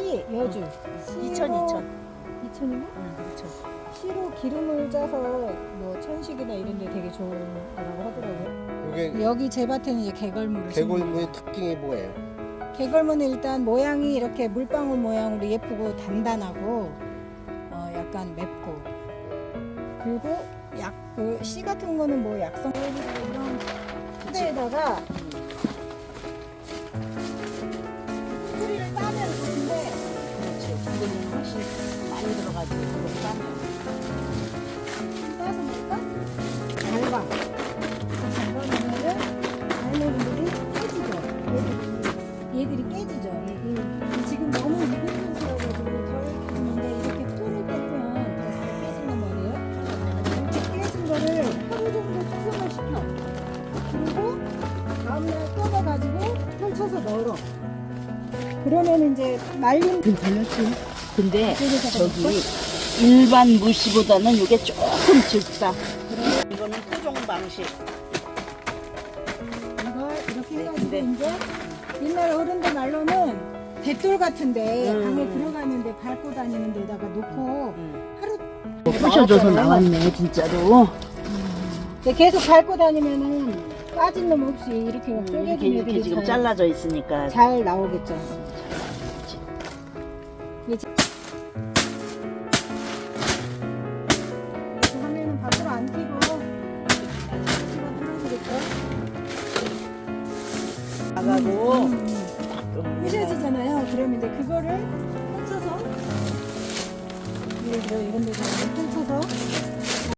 씨, 여주. 2000. 2000인가? 2000. 씨로 기름을 짜서 뭐 천식이나 이런 데 되게 좋은 거라고 하더라고요. 이게 여기 제 밭에는 이제 개걸무를 심는 개골무의 특징이 뭐예요? 거예요. 개걸무는 일단 모양이 이렇게 물방울 모양으로 예쁘고 단단하고 약간 맵고, 그리고 그 씨 같은 거는 뭐 약성 이런 트레에다가 뿌리를 따면 좋은데 그렇지. 이거는 훨씬 많이 들어가지고 그걸 따면. 따서 볼까? 달방. 달방이면은 달래분들이 깨지죠. 얘들이 깨지죠. 지금 너무 익은 상태여가지고 덜 깨지는데 이렇게 풀을 떼면 다 잘 깨진단 말이에요. 이렇게 깨진 거를 하루 정도 숙성을 시켜. 그리고 다음날 뜯어가지고 펼쳐서 널어. 그러면 이제 말린 달렸지. 근데 그래서 저기 일반 무시보다는 이게 조금 짙다. 이거는 토종 방식. 이걸 이렇게 해가지고 근데- 이제 옛날 어른들 말로는 대돌 같은데 음. 방에 들어가는데 밟고 다니는 데다가 놓고 하루 부셔져서 나왔네 진짜로. 근데 계속 밟고 다니면은 빠진 놈 없이 이렇게 이렇게, 쪼개진 이렇게 애들이 지금 잘라져 있으니까. 잘 나오겠죠. 이제 이렇게 하면은 밖으로 안 튀고 집어 뚫어지겠죠. 나가고 부셔지잖아요. 그러면 이제 그거를 펼쳐서 예를 들어 이런 데서 펼쳐서